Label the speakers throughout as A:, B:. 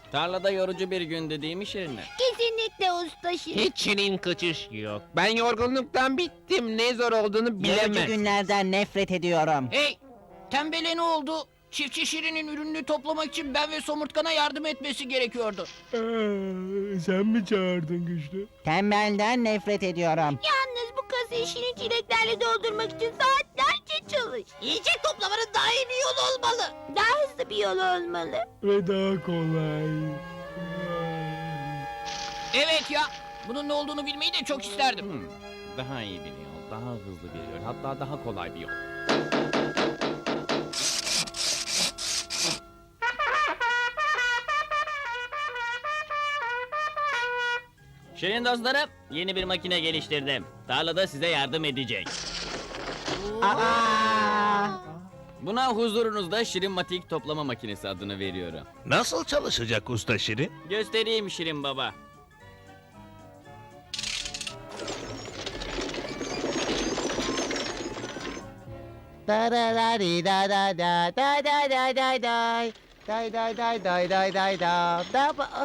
A: Tarlada yorucu bir gündü değil mi Şirinler?
B: Kesinlikle usta Şirin.
C: Hiç şirin kaçış yok. Ben yorgunluktan bittim. Ne zor olduğunu
D: Yorucu
C: bilemem.
D: günlerden nefret ediyorum.
E: Hey, tembele ne oldu? Çiftçi Şirin'in ürününü toplamak için ben ve Somurtkan'a yardım etmesi gerekiyordu.
F: Sen mi çağırdın Güçlü?
D: Tembelden nefret ediyorum.
B: Yalnız bu kasayı Şirin çileklerle doldurmak için saatlerce çalış.
E: Yiyecek toplamanın daha iyi bir yolu olmalı.
B: Daha hızlı bir yol olmalı.
F: Ve daha kolay.
E: Evet ya, bunun ne olduğunu bilmeyi de çok isterdim.
A: Daha iyi bir yol, daha hızlı bir yol, hatta daha kolay bir yol. Şirin dostlarım, yeni bir makine geliştirdim. Tarlada size yardım edecek.
D: Aa!
A: Buna huzurunuzda Şirinmatik toplama makinesi adını veriyorum.
G: Nasıl çalışacak usta Şirin?
A: Göstereyim Şirin baba.
D: Da da da di da da da da da da da day. Day day day day day day da da ba.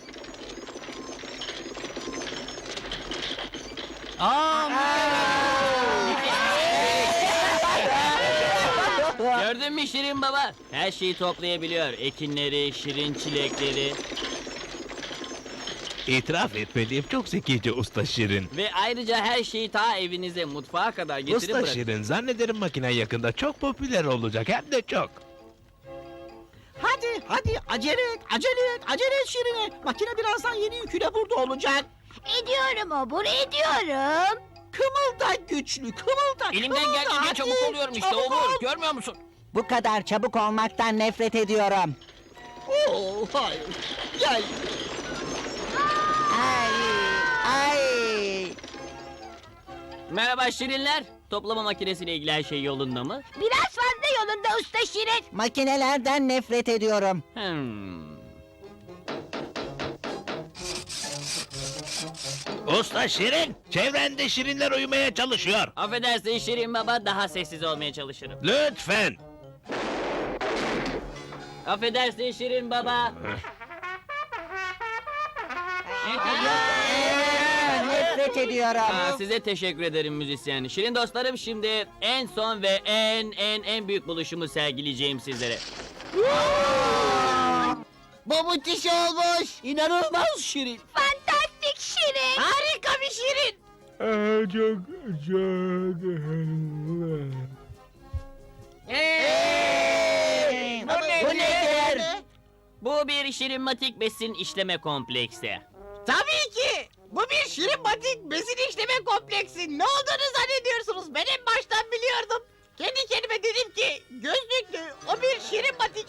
A: Gördün mü Şirin baba? Her şeyi toplayabiliyor. Ekinleri, şirin çilekleri
G: İtiraf etmeliyim, çok zekice usta Şirin.
A: ve ayrıca her şeyi ta evinize, mutfağa kadar getirip
G: Usta
A: bırakın.
G: Şirin, zannederim makine yakında çok popüler olacak, hem de çok.
E: Hadi acele et Şirin'e. Makine birazdan yeni yüküyle burada olacak.
B: Ediyorum Obur, ediyorum.
E: Kımılda güçlü, kımılda. Elimden geldiğince çabuk oluyorum işte Obur. Görmüyor musun?
D: Bu kadar çabuk olmaktan nefret ediyorum.
E: Oo, hayır. Gel.
D: Ay!
A: Merhaba Şirinler. Toplama makinesiyle ilgili her şey yolunda mı?
B: Biraz fazla yolunda usta Şirin.
D: Makinelerden nefret ediyorum.
G: Usta Şirin, çevrende şirinler uyumaya çalışıyor.
A: Affedersin Şirin baba, daha sessiz olmaya çalışırım.
G: Lütfen.
A: Affedersin Şirin baba.
D: Nefret ediyorum.
A: Size teşekkür ederim müzisyen. Şirin dostlarım, şimdi en son ve en büyük buluşumu sergileyeceğim sizlere.
E: Bu müthiş olmuş. İnanılmaz Şirin.
B: Fantastik Şirin.
E: Harika bir Şirin.
F: Çok.
D: Bu nedir?
A: Bu bir Şirinmatik besin işleme kompleksi.
E: Tabii ki. Bu bir Şirin batik besin işleme kompleksi. Ne olduğunu zannediyorsunuz? Ben en baştan biliyordum. Kendi kendime dedim ki gözlüklü o bir Şirin batik.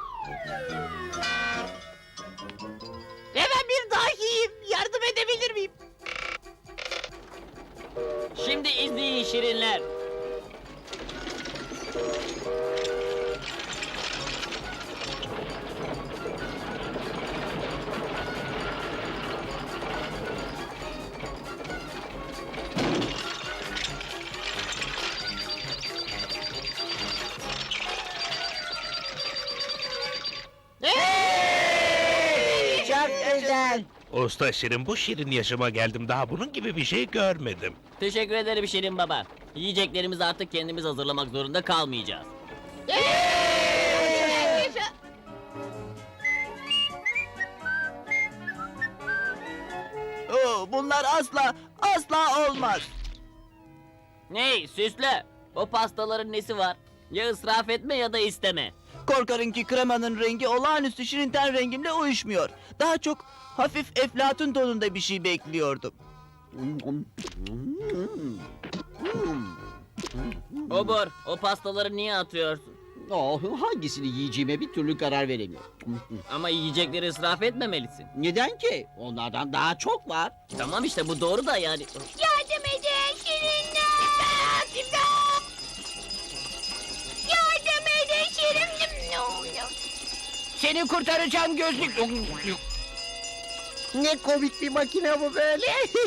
E: Ve ben bir dahiyim. Yardım edebilir miyim?
A: Şimdi izleyin Şirinler.
D: Çok güzel.
G: Usta Şirin, bu şirin yaşıma geldim, daha bunun gibi bir şey görmedim.
A: Teşekkür ederim Şirin baba. Yiyeceklerimizi artık kendimiz hazırlamak zorunda kalmayacağız.
E: Bunlar asla olmaz.
A: Hey süslü, o pastaların nesi var? Ya ısraf etme ya da isteme.
H: Korkarım ki kremanın rengi olağanüstü şirin ten rengimle uyuşmuyor. Daha çok hafif eflatun tonunda bir şey bekliyordum.
A: Obur, o pastaları niye atıyorsun?
E: Hangisini yiyeceğime bir türlü karar veremiyorum.
A: Ama yiyecekleri ısraf etmemelisin.
E: Neden ki? Onlardan daha çok var.
A: Tamam işte, bu doğru da yani.
B: Yardım edin Şirinler. İmdat! Yardım edin Şirin.
E: Seni kurtaracağım gözlük.
D: Ne komik bir makine bu böyle.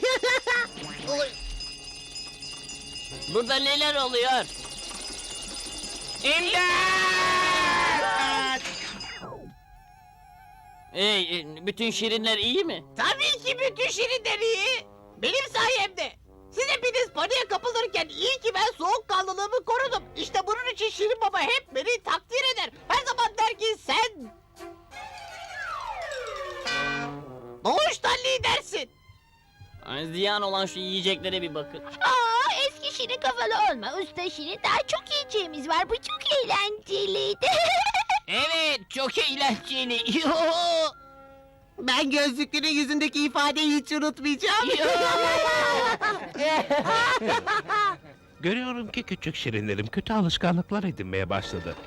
A: Burada neler oluyor?
E: İmdat!
A: Bütün şirinler iyi mi?
E: Tabii ki bütün şirinler iyi. Benim sayemde. Siz hepiniz paniğe kapılırken iyi ki ben soğukkanlılığımı korudum. İşte bunun için Şirin Baba hep beni takdir eder. Her zaman der ki sen... doğuştan lidersin.
A: Ay, ziyan olan şu yiyeceklere bir bakın.
B: Aa, eski Şirin kafalı olma. Usta Şirin, daha çok yiyeceğimiz var. Bu çok eğlenceliydi.
C: Evet, çok eğlenceli.
D: Ben gözlüklünün yüzündeki ifadeyi hiç unutmayacağım.
G: Görüyorum ki küçük şirinlerim kötü alışkanlıklar edinmeye başladı.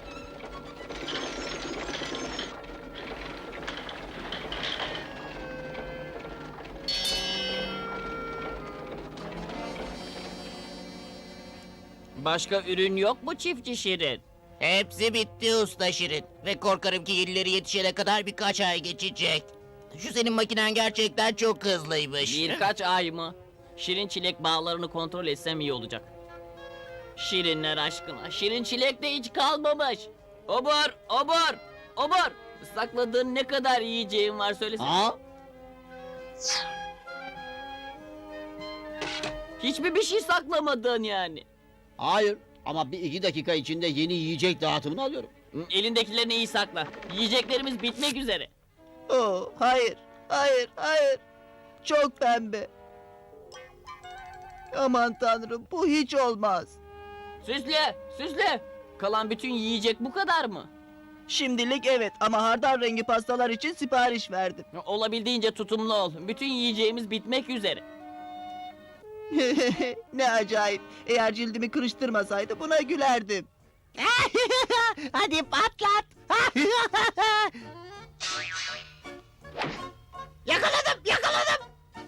A: Başka ürün yok mu çiftçi şirin?
H: Hepsi bitti usta Şirin. Ve korkarım ki yenileri yetişene kadar birkaç ay geçecek. Şu senin makinen gerçekten çok hızlıymış.
A: Birkaç ay mı? Şirin çilek bağlarını kontrol etsem iyi olacak. Şirinler aşkına, şirin çilek de hiç kalmamış. Obur, obur, obur. Sakladığın ne kadar yiyeceğin var söylesene.
D: Ha?
A: Hiç mi bir şey saklamadın yani?
D: Hayır ama bir iki dakika içinde yeni yiyecek dağıtımını alıyorum.
A: Elindekilerini iyi sakla. Yiyeceklerimiz bitmek üzere.
H: Oh, hayır, hayır, hayır. Çok pembe. Aman tanrım, bu hiç olmaz.
A: Süsle, süsle. Kalan bütün yiyecek bu kadar mı?
H: Şimdilik evet ama hardal rengi pastalar için sipariş verdim.
A: Olabildiğince tutumlu ol. Bütün yiyeceğimiz bitmek üzere.
H: Ne acayip. Eğer cildimi kırıştırmasaydı buna gülerdim.
E: Hadi patlat. Yakaladım, yakaladım.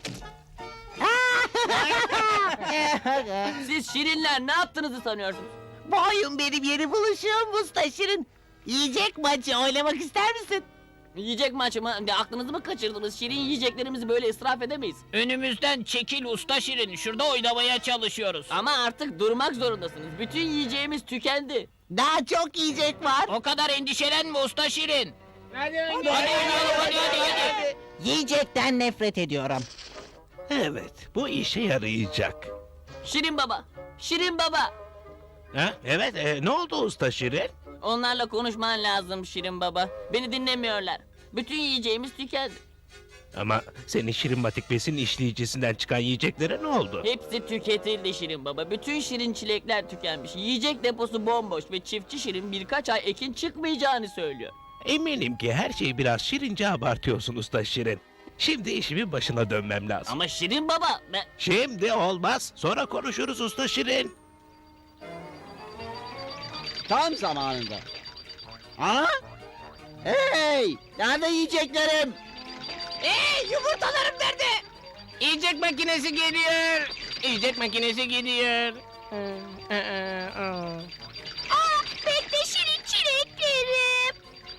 A: Siz şirinler ne yaptığınızı sanıyorsunuz?
E: Bu oyun benim yeni buluşum Usta Şirin. Yiyecek maçı oynamak ister misin?
A: Yiyecek maçı mı? Aklınızı mı kaçırdınız? Şirin yiyeceklerimizi böyle israf edemeyiz.
C: Önümüzden çekil usta Şirin. Şurada oynamaya çalışıyoruz.
A: Ama artık durmak zorundasınız. Bütün yiyeceğimiz tükendi.
E: Daha çok yiyecek var.
C: O kadar endişelenme usta Şirin.
H: Hadi
C: hadi.
E: Yiyecekten nefret ediyorum.
G: Evet, bu işe yarayacak.
A: Şirin baba, Şirin baba.
G: Ha? Evet, ne oldu usta şirin?
A: Onlarla konuşman lazım Şirin baba. Beni dinlemiyorlar. Bütün yiyeceğimiz tükendi.
G: Ama senin şirin batik besin işleyicisinden çıkan yiyeceklere ne oldu?
A: Hepsi tüketildi Şirin baba. Bütün şirin çilekler tükenmiş. Yiyecek deposu bomboş ve çiftçi Şirin birkaç ay ekin çıkmayacağını söylüyor.
G: Eminim ki her şeyi biraz şirince abartıyorsun usta şirin. Şimdi işimin başına dönmem lazım.
A: Ama Şirin baba,
G: Şimdi olmaz. Sonra konuşuruz usta şirin.
D: Tam zamanında. Ha? Hey! Nerede yiyeceklerim?
E: Yumurtalarım nerede?
C: Yiyecek makinesi geliyor. Yiyecek makinesi geliyor.
B: Aa, bekle Şirin çileklerim.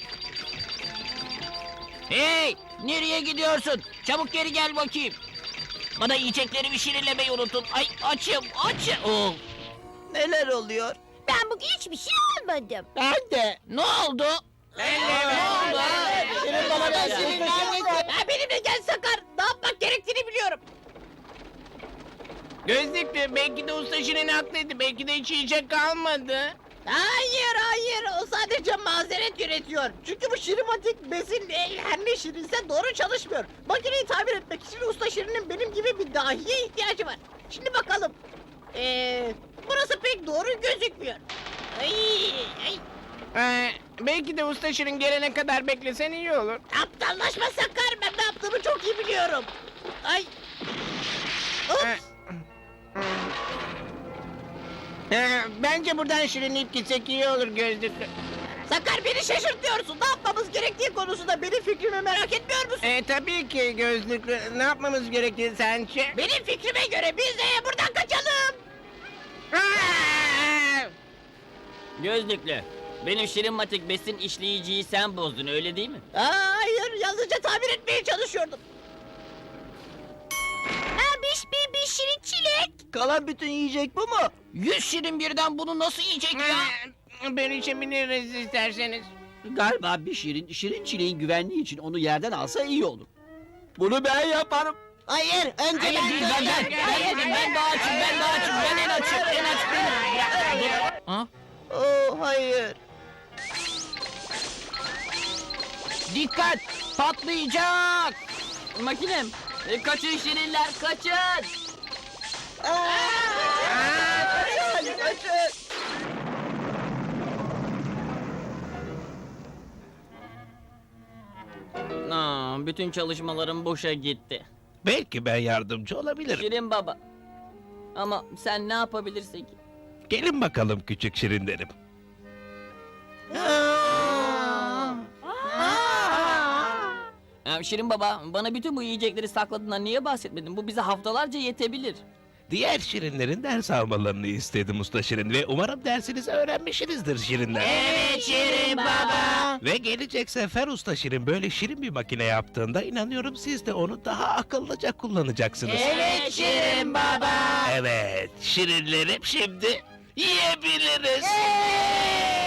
C: Hey! Nereye gidiyorsun? Çabuk geri gel bakayım. Bana yiyeceklerimi şirinlemeyi unuttun. Ay açım. Oh.
H: Neler oluyor?
B: Ben bugün hiçbir şey almadım.
D: Ben de.
C: Ne oldu?
E: Şirin Baba ben Şirin neredesin? Ha, benimle gel Sakar. Ne yapmak gerektiğini biliyorum.
C: Gözlüklü belki de usta Şirin haklıydı. Belki de hiç yiyecek kalmadı.
E: Hayır hayır o sadece mazeret üretiyor. Çünkü bu şirimatik besin her ne şirinse doğru çalışmıyor. Makineyi tamir etmek için Usta Şirin'in benim gibi bir dahiye ihtiyacı var. Şimdi bakalım. Burası pek doğru gözükmüyor. Ay, ay.
C: Belki de usta Şirin gelene kadar beklesen iyi olur.
E: Aptallaşma Sakar, ben ne yaptığımı çok iyi biliyorum. Ay. Ups.
C: Bence buradan şirinleyip gitsek iyi olur gözlüklü.
E: Sakar beni şaşırtıyorsun. Ne yapmamız gerektiği konusunda benim fikrimi merak etmiyor musun?
C: Tabii ki gözlüklü. Ne yapmamız gerektiği sence?
E: Benim fikrime göre biz de buradan kaçalım.
A: Gözlüklü. Benim şirin matik besin işleyiciyi sen bozdun öyle değil mi?
E: Hayır, yalnızca tamir etmeye çalışıyordum.
B: Bir Şirin çilek.
H: Kalan bütün yiyecek bu mu?
C: 100 şirin birden bunu nasıl yiyecek ya? Ben içebiliriz isterseniz.
I: Galiba bir şirin çileğin güvenliği için onu yerden alsa iyi olur. Bunu ben yaparım.
D: Hayır, önce
C: Hayır değil ben daha açım ben en aç benim. Ha?
D: Oh, hayır.
C: Dikkat patlayacak.
A: Makinem. Kaçın şirinler kaçın. Bütün çalışmalarım boşa gitti.
G: Belki ben yardımcı olabilirim.
A: Şirin baba. Ama sen ne yapabilirsin ki?
G: Gelin bakalım küçük şirinlerim.
A: Şirin baba, bana bütün bu yiyecekleri sakladığından niye bahsetmedin? Bu bize haftalarca yetebilir.
G: Diğer şirinlerin ders almalarını istedim usta şirin ve umarım dersinizi öğrenmişsinizdir şirinler.
H: Evet Şirin Baba.
G: Ve gelecek sefer usta şirin böyle şirin bir makine yaptığında inanıyorum siz de onu daha akıllıca kullanacaksınız.
H: Evet Şirin Baba.
G: Evet, şirinlerim şimdi yiyebiliriz.